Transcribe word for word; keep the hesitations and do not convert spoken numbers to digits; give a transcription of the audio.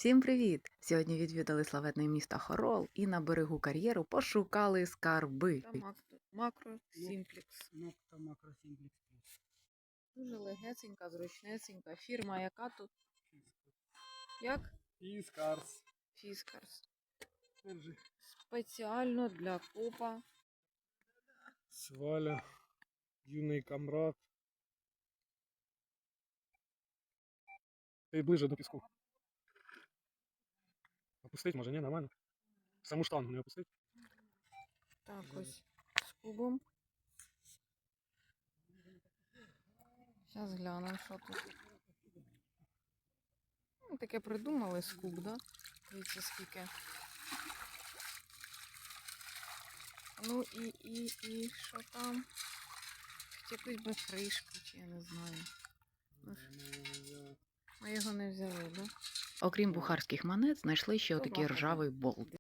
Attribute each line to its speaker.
Speaker 1: Всім привіт! Сьогодні відвідали славетне місто Хорол і на берегу кар'єру пошукали скарби. Макро Сімплекс.
Speaker 2: Нокта Макро Сімплекс Плюс.
Speaker 1: Дуже легесенька, зручнесенька. Фірма яка тут? Як?
Speaker 2: Фіскарс.
Speaker 1: Фіскарс.
Speaker 2: Держи.
Speaker 1: Спеціально для копа.
Speaker 2: Сваля. Юний камрад. Ти ближе до піску. Опустить, може, ні, нормально. Саму штангу не опустить.
Speaker 1: Так, ось з кубом. Зараз глянемо, що тут. Ну, таке придумали скуб, да? Дивіться, скільки. Ну і, і, і, що там? Якусь би кришку, чи я не знаю. Ну, ми його не взяли, да? Окрім бухарських монет, знайшли ще отакий ржавий болт.